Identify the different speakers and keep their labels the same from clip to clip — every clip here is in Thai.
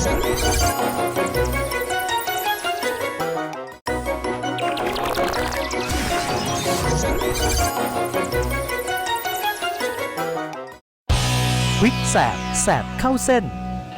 Speaker 1: วิกแสบแสบเข้าเส้น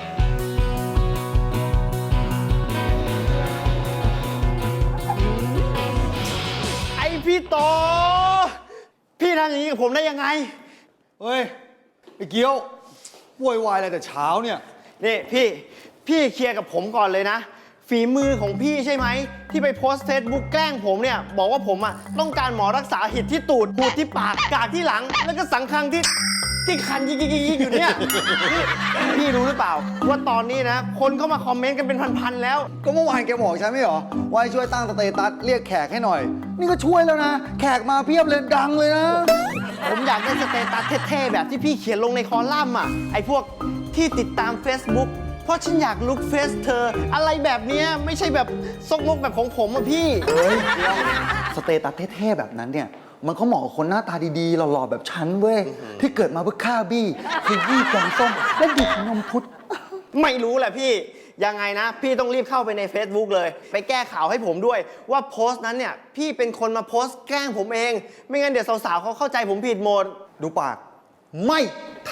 Speaker 2: ไอพี่โตพี่ทำอย่างนี้กับผมได้ยังไง
Speaker 3: เฮ้ยไอ้เกี้ยวโวยวายอะไรแต่เช้าเนี่ย
Speaker 2: นี่พี่เคลียร์กับผมก่อนเลยนะฝีมือของพี่ใช่ไหมที่ไปโพสต์เฟซบุ๊กแกล้งผมเนี่ยบอกว่าผมต้องการหมอรักษาหิดที่ตูดหูดที่ปากกากที่หลังแล้วก็สังคังที่คันยิกอยู่เนี่ยพี่รู้หรือเปล่าว่าตอนนี้นะคนเข้ามาคอมเมนต์กันเป็นพันๆแล้ว
Speaker 3: ก็เมื่อวานแกบอกฉันไม่เหรอว่าให้ช่วยตั้งสเตตัสเรียกแขกให้หน่อยนี่ก็ช่วยแล้วนะแขกมาเพียบเลยดังเลยนะ
Speaker 2: ผมอยากได้สเตตัสเท่ๆแบบที่พี่เขียนลงในคอลัมน์ไอ้พวกที่ติดตาม Facebook เพราะฉันอยากลุกเฟซเธออะไรแบบนี้ไม่ใช่แบบซกมกแบบของผมพี่
Speaker 3: เฮ้ยสเตตัสเท่ๆแบบนั้นเนี่ยมันก็เหมาะกับคนหน้าตาดีๆหล่อๆแบบฉันเว้ยที่เกิดมาเพื่อฆ่าบี้คือยี่แกงส้มและดิบนมพุทธ
Speaker 2: ไม่รู้แหละพี่ยังไงนะพี่ต้องรีบเข้าไปใน Facebook เลยไปแก้ข่าวให้ผมด้วยว่าโพสต์นั้นเนี่ยพี่เป็นคนมาโพสต์แกล้งผมเองไม่งั้นเดี๋ยวสาวๆเขาเข้าใจผมผิดหมด
Speaker 3: ดูปากไม่ท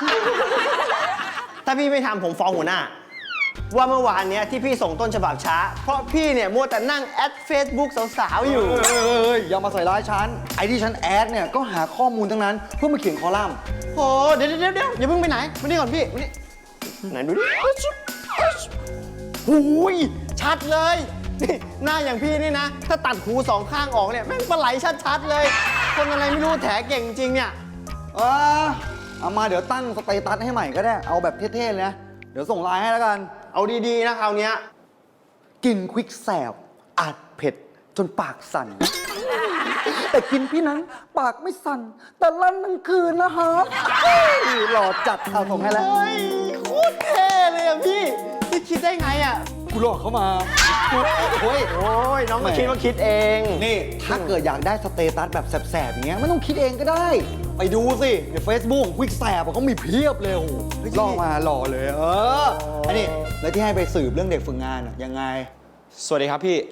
Speaker 2: ำถ้าพี่ไม่ทำผมฟ้องหัวหน้าว่าเมื่อวานเนี้ยที่พี่ส่งต้นฉบับช้าเพราะพี่เนี่ยมัวแต่นั่งแอด Facebook สาวๆอยู่
Speaker 3: อย่ามาใส่ร้ายฉันไอ้ที่ฉันแอดเนี่ยก็หาข้อมูลทั้งนั้นเพื่อมาเขียนคอลัมน์
Speaker 2: โอ้เดี๋ยวอย่าเพิ่งไปไหนมานี่ก่อนพี่มานี่ไหนดูดิหูยชัดเลยนี่หน้าอย่างพี่นี่นะถ้าตัดหูสองข้างออกเนี่ยแม่งปลาไหลชัดๆเลยคนอะไรไม่รู้แถเก่งจริงเนี่ย
Speaker 3: เอามาเดี๋ยวตั้งสเตตัสให้ใหม่ก็ได้เอาแบบเท่ๆเลยนะเดี๋ยวส่งไลน์ให้แล้วกัน
Speaker 2: เอาดีๆนะคราวนี้
Speaker 3: กินควิกแสบอาจเผ็ดจนปากสั่นแต่กินพี่นั้นปากไม่สั่นแต่ลั่นทั้งคืนนะครับหล่อจัดเอาส่งให้แล้ว
Speaker 2: เฮ้ยโคตรเท่เลยอะพี่คิดได้ไงอะ
Speaker 3: กูหลอกเขามา
Speaker 2: โอ้ยน้องมาคิดว่าคิดเอง
Speaker 3: นี่ถ้าเกิดอยากได้สเตตัสแบบแสบๆอย่างเงี้ยไม่ต้องคิดเองก็ได้ไปดูสิใน Facebook ควิกแสบเขามีเพียบเลยล่อมาหล่อเลยอันนี้แล้วที่ให้ไปสืบเรื่องเด็กฝึกงานยังไง
Speaker 4: สวัสดีครับพี่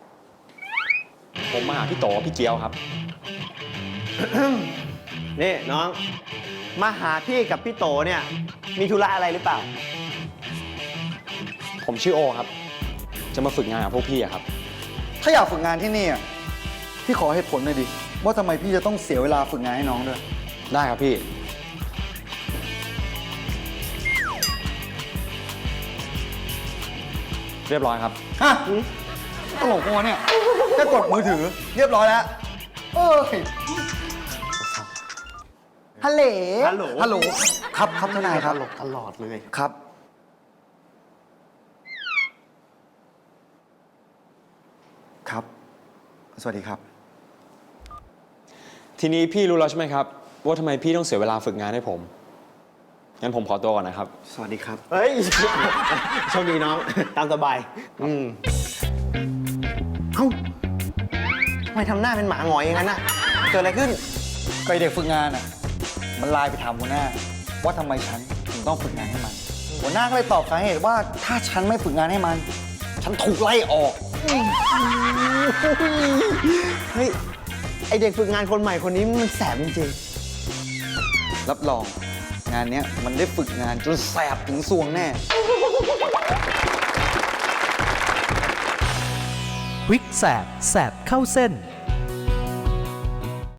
Speaker 4: ผมมาหาพี่โตพี่เจียวครับ
Speaker 2: นี่น้องมาหาพี่กับพี่โตเนี่ยมีธุระอะไรหรือเปล่า
Speaker 4: ผมชื่อโอครับจะมาฝึกงานกับพวกพี่อะครับ
Speaker 3: ถ้าอยากฝึกงานที่นี่พี่ขอเหตุผลหน่อยดิว่าทำไมพี่จะต้องเสียเวลาฝึกงานให้น้องด้วย
Speaker 4: ได้ครับพี่เรียบร้อยครับ
Speaker 3: ฮะตลกมัวเนี่ยแค่กดมือถือเรียบร้อยแล้วฮัลโหลครับทนายครับ
Speaker 2: ตลอดเลย
Speaker 3: ครับครับสวัสดีครับ
Speaker 4: ทีนี้พี่รู้แล้วใช่ไหมครับว่าทำไมพี่ต้องเสียเวลาฝึกงานให้ผมงั้นผมขอตัวก่อนนะครับ
Speaker 3: สวัสดีครับ
Speaker 2: เฮ้ยโชคดีน้องตามสบายเอ้าทำไมทำหน้าเป็นหมาหงอยอย่างนั้นน่ะเกิดอะไรขึ้น
Speaker 3: ไปเด็กฝึกงานมันไลน์ไปถามหัวหน้าว่าทำไมฉันถึงต้องฝึกงานให้มันหัวหน้าก็เลยตอบสาเหตุว่าถ้าฉันไม่ฝึกงานให้มันฉันถูกไล่ออก
Speaker 2: เฮ้ยไอเด็กฝึกงานคนใหม่คนนี้มันแสบจริงๆ
Speaker 3: รับรองงานนี้มันได้ฝึกงานจนแสบถึงซวงแน่
Speaker 1: วิกแสบแสบเข้าเส้น